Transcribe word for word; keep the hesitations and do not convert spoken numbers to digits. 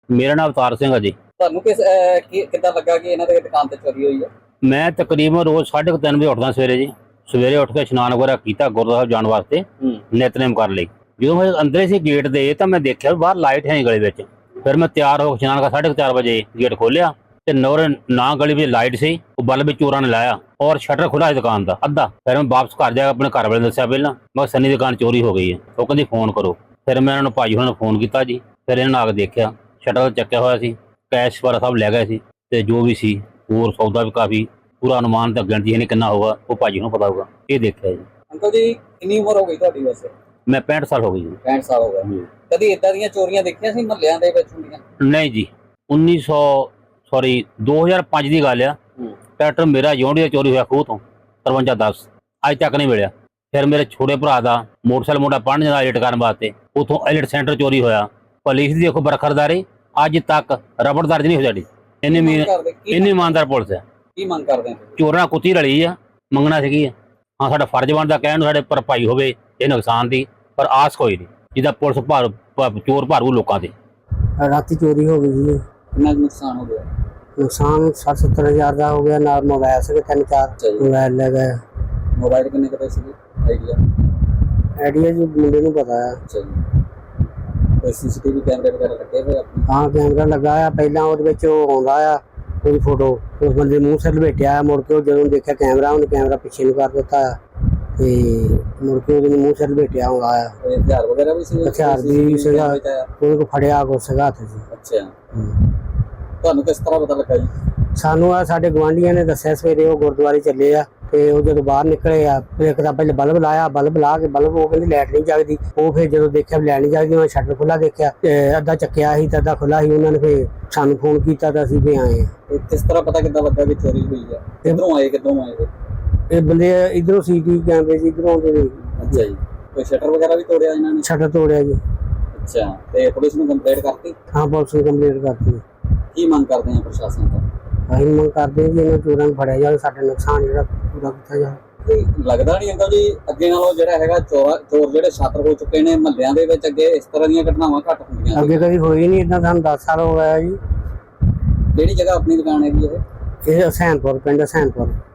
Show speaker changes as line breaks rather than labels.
ਮੇਰਾ ਨਾਮ ਅਵਤਾਰ ਸਿੰਘ ਹੈ ਜੀ।
ਤੁਹਾਨੂੰ ਕਿਸ ਕਿੱਦਾਂ ਲੱਗਾ ਕਿ ਇਹਨਾਂ ਦੇ ਦੁਕਾਨ ਤੇ ਚੋਰੀ ਹੋਈ ਹੈ?
ਮੈਂ ਤਕਰੀਬਨ ਰੋਜ਼ ਸਾਢੇ ਤਿੰਨ ਵਜੇ ਉੱਠਦਾ ਸਵੇਰੇ ਜੀ। ਸਵੇਰੇ ਉੱਠ ਕੇ ਇਸ਼ਨਾਨ ਵਗੈਰਾ ਕੀਤਾ ਗੁਰਦੁਆਰਾ ਸਾਹਿਬ ਜਾਣ ਵਾਸਤੇ, ਨਿਤਨੇਮ ਕਰ ਲਈ। ਜਦੋਂ ਮੈਂ ਅੰਦਰ ਸੀ ਗੇਟ ਦੇ ਤਾਂ ਮੈਂ ਦੇਖਿਆ ਬਾਹਰ ਲਾਈਟ ਹੈ ਨਹੀਂ ਗਲੀ ਵਿੱਚ। ਫਿਰ ਮੈਂ ਤਿਆਰ ਹੋ ਕੇ ਇਸ਼ਨਾਨ ਕਰ ਸਾਢੇ ਚਾਰ ਵਜੇ ਗੇਟ ਖੋਲਿਆ ਤੇ ਨੌਰ ਨਾ ਗਲੀ ਵਿੱਚ ਲਾਈਟ ਸੀ, ਉਹ ਬਲਬ ਵੀ ਚੋਰਾਂ ਨੇ ਲਾਇਆ ਔਰ ਸ਼ਟਰ ਖੁੱਲਾ ਸੀ ਦੁਕਾਨ ਦਾ ਅੱਧਾ। ਫਿਰ ਮੈਂ ਵਾਪਸ ਘਰ ਜਾ ਕੇ ਆਪਣੇ ਘਰ ਵਾਲੇ ਦੱਸਿਆ ਪਹਿਲਾਂ, ਮੈਂ ਸੰਨੀ ਦੀ ਦੁਕਾਨ ਚੋਰੀ ਹੋ ਗਈ ਹੈ। ਉਹ ਕਹਿੰਦੀ ਫੋਨ ਕਰੋ। ਫਿਰ ਮੈਂ ਇਹਨਾਂ ਨੂੰ ਭਾਈ ਉਹਨਾਂ ਨੂੰ ਫੋਨ ਕੀਤਾ ਜੀ। ਫਿਰ ਇਹਨਾਂ ਨੇ ਆ ਕੇ ਦੇਖਿਆ ਸ਼ਟਰ ਚੱਕਿਆ ਹੋਇਆ ਸੀ, ਕੈਸ਼ ਵਾਲਾ ਸਭ ਲੈ ਗਏ ਸੀ ਤੇ ਜੋ ਵੀ ਸੀ ਹੋਰ ਸੌਦਾ ਵੀ ਕਾਫੀ, ਪੂਰਾ ਅਨੁਮਾਨ ਤਾਂ ਗਿਣਤੀ ਨਹੀਂ ਕਿੰਨਾ ਹੋਊਗਾ, ਉਹ ਭਾਜੀ ਨੂੰ ਪਤਾ ਹੋਊਗਾ। ਇਹ ਦੇਖਿਆ ਜੀ।
ਅੰਕਲ ਜੀ ਕਿੰਨੀ ਉਮਰ ਹੋ ਗਈ ਤੁਹਾਡੀ ਵੈਸੇ?
ਮੈਂ ਪੈਂਹਠ ਸਾਲ ਹੋ ਗਈ ਜੀ।
ਪੈਂਹਠ ਸਾਲ ਹੋ ਗਏ। ਕਦੀ ਇਦਾਂ ਦੀਆਂ ਚੋਰੀਆਂ ਦੇਖੀਆਂ ਸੀ ਮਹੱਲਿਆਂ ਦੇ ਵਿੱਚ ਹੁੰਦੀਆਂ?
ਨਹੀਂ ਜੀ। ਉੱਨੀ ਸੌ ਸੌਰੀ ਦੋ ਹਜ਼ਾਰ ਪੰਜ ਦੀ ਗੱਲ ਆ। ਟਰੈਕਟਰ ਮੇਰਾ ਜੌਂਡੀ ਦਾ ਚੋਰੀ ਹੋਇਆ ਖੂਹ ਤੋਂ ਤਰਵੰਜਾ ਦਸ, ਅੱਜ ਤੱਕ ਨਹੀਂ ਮਿਲਿਆ। ਫਿਰ ਮੇਰੇ ਛੋਟੇ ਭਰਾ ਦਾ ਮੋਟਰਸਾਈਕਲ ਮੁੰਡਾ ਪੜ੍ਹਨ ਜਾਂਦਾ ਐਡਿਟ ਕਰਨ ਵਾਸਤੇ, ਉੱਥੋਂ ਐਡਿਟ ਸੈਂਟਰ ਚੋਰੀ ਹੋਇਆ। ਪੁਲਿਸ ਦੀ ਦੇਖੋ ਬਰਖਰਦਾਰੀ, ਅੱਜ ਤੱਕ ਰਬੜ ਦਰਜ ਨਹੀਂ ਹੋ ਜਾਂਦੀ। ਇੰਨੀ ਇੰਨੀ ਇਮਾਨਦਾਰ ਪੁਲਿਸ ਹੈ।
ਕੀ ਮੰਗ ਕਰਦੇ?
ਚੋਰਾਂ ਕੁੱਤੀ ਰਲੀ ਆ, ਮੰਗਣਾ ਸੀਗੀ। ਹਾਂ ਸਾਡਾ ਫਰਜ਼ ਬਣਦਾ ਕਹਿਣ ਨੂੰ ਸਾਡੇ ਭਰਪਾਈ ਹੋਵੇ ਇਹ ਨੁਕਸਾਨ ਦੀ, ਪਰ ਆਸ ਕੋਈ ਨਹੀਂ ਜਿੱਦਾਂ ਪੁਲਿਸ ਭਾਰ ਚੋਰ ਭਾਰੂ ਲੋਕਾਂ ਦੇ।
ਰਾਤੀ ਚੋਰੀ ਹੋ ਗਈ ਜੀ।
ਕਿੰਨਾ ਨੁਕਸਾਨ ਹੋ ਗਿਆ?
ਨੁਕਸਾਨ ਸੱਠ ਸੱਤਰ ਹਜ਼ਾਰ ਦਾ ਹੋ ਗਿਆ। ਨਾਲ ਮੋਬਾਈਲ ਸੀਗੇ ਤਿੰਨ ਚਾਰ ਮੋਬਾਈਲ ਲੈ ਗਏ।
ਮੋਬਾਈਲ ਕਿੰਨੇ ਕੁ ਪੈਸੇ ਸੀ? ਆਈਡੀਆ
ਆਈਡੀਆ ਜੀ ਮੁੰਡੇ ਨੂੰ ਪਤਾ ਹੈ।
ਅੱਛਾ ਜੀ। ਕੋਈ ਸੀਸੀਟੀਵੀ ਕੈਮਰੇ ਵਗੈਰਾ ਲੱਗੇ ਹੋਏ ਆਪਣੇ?
ਹਾਂ ਕੈਮਰਾ ਲੱਗਾ ਆ। ਪਹਿਲਾਂ ਉਹਦੇ ਵਿੱਚ ਉਹ ਆਉਂਦਾ ਆ ਉਹਦੀ ਫੋਟੋ, ਉਸ ਬੰਦੇ ਮੂੰਹ ਸਿਰ ਲਪੇਟਿਆ। ਮੁੜ ਕੇ ਉਹ ਜਦੋਂ ਦੇਖਿਆ ਕੈਮਰਾ, ਉਹਨੇ ਕੈਮਰਾ ਪਿੱਛੇ ਨੂੰ ਕਰ ਦਿੱਤਾ ਤੇ ਮੁੜ ਕੇ ਉਹਦੇ ਮੂੰਹ ਸਿਰ ਲਪੇਟਿਆ ਆਉਂਦਾ ਆ।
ਹਥਿਆਰ ਵਗੈਰਾ ਵੀ ਸੀ?
ਹਥਿਆਰ ਵੀ ਸੀਗਾ, ਉਹਦੇ ਕੋਲ ਫੜਿਆ ਕੁਛ ਸੀਗਾ ਹੱਥ 'ਚ।
ਅੱਛਾ। ਤੁਹਾਨੂੰ ਕਿਸ ਤਰ੍ਹਾਂ ਪਤਾ ਲੱਗਾ ਜੀ?
ਸਾਨੂੰ ਆ ਸਾਡੇ ਗੁਆਂਢੀਆਂ ਨੇ ਦੱਸਿਆ ਸਵੇਰੇ, ਉਹ ਗੁਰਦੁਆਰੇ ਚੱਲੇ ਆ ਤੇ ਉਹ ਜਦੋਂ ਬਾਹਰ ਨਿਕਲੇ ਆ ਇੱਕ ਤਾਂ ਪਹਿਲੇ ਬਲਬ ਲਾਇਆ, ਬਲਬ ਲਾ ਕੇ ਬਲਬ ਉਹ ਕਹਿੰਦੀ ਲਾਈਟ ਨਹੀਂ ਜਗਦੀ। ਉਹ ਫਿਰ ਜਦੋਂ ਦੇਖਿਆ ਲਾਈਟ ਨਹੀਂ ਜਗਦੀ, ਉਹ ਸ਼ਟਰ ਖੁੱਲਾ ਦੇਖਿਆ, ਅੱਧਾ ਚੱਕਿਆ ਸੀ ਤੇ ਅੱਧਾ ਖੁੱਲਾ ਸੀ। ਉਹਨਾਂ ਨੇ ਫਿਰ ਸਾਨੂੰ ਫੋਨ ਕੀਤਾ ਤਾਂ ਅਸੀਂ ਵੀ ਆਏ ਆ।
ਕਿਸ ਤਰ੍ਹਾਂ ਪਤਾ ਕਿੱਦਾਂ ਲੱਗਾ ਕਿ ਚੋਰੀ ਹੋਈ ਆ? ਕਿੱਧਰੋਂ ਆਏ ਕਿੱਧਰੋਂ ਆਏ?
ਇਹ ਬੰਦੇ ਇਧਰੋਂ ਸੀਟੀ ਕੈਮਰੇ ਸੀ ਇਧਰੋਂ ਆਉਂਦੇ ਨੇ।
ਅੱਛਾ ਜੀ। ਕੋਈ ਸ਼ਟਰ ਵਗੈਰਾ ਵੀ ਤੋੜਿਆ ਇਹਨਾਂ ਨੇ?
ਸ਼ਟਰ ਤੋੜਿਆ ਜੀ।
ਅੱਛਾ। ਤੇ ਪੁਲਿਸ ਨੂੰ ਕੰਪਲੇਂਟ ਕਰਤੀ?
ਹਾਂ ਪੁਲਿਸ ਨੂੰ ਕੰਪਲੇਂਟ ਕਰਤੀ।
ਕੀ ਮੰਗ ਕਰਦੇ ਆ ਪ੍ਰਸ਼ਾਸਨ ਤੋਂ?
ਅਸੀਂ ਮੰਗ ਕਰਦੇ ਹਾਂ ਜੀ ਇਹਨਾਂ ਚੋਰਾਂ ਨੂੰ ਫੜਿਆ ਜਾਵੇ, ਸਾਡਾ ਨੁਕਸਾਨ ਜਿਹੜਾ ਪੂਰਾ ਕੀਤਾ ਜਾਵੇ।
ਲੱਗਦਾ ਨਹੀਂ ਅੰਕਲ ਜੀ ਅੱਗੇ ਨਾਲੋਂ ਜਿਹੜਾ ਹੈਗਾ ਚੋਰ ਚੋਰ ਜਿਹੜੇ ਛਾਤਰ ਹੋ ਚੁੱਕੇ ਨੇ ਮਹੱਲਿਆਂ ਦੇ ਵਿੱਚ, ਅੱਗੇ ਇਸ ਤਰ੍ਹਾਂ ਦੀਆਂ ਘਟਨਾਵਾਂ ਘੱਟ ਹੁੰਦੀਆਂ?
ਅੱਗੇ ਕਦੀ ਹੋਈ ਨਹੀਂ ਇਦਾਂ, ਸਾਨੂੰ ਦਸ ਸਾਲ ਹੋ ਗਿਆ ਜੀ।
ਕਿਹੜੀ ਜਗ੍ਹਾ ਆਪਣੀ ਦੁਕਾਨ ਹੈਗੀ ਇਹ?
ਇਹ ਹਸੈਨਪੁਰ, ਪਿੰਡ ਹਸੈਨਪੁਰ।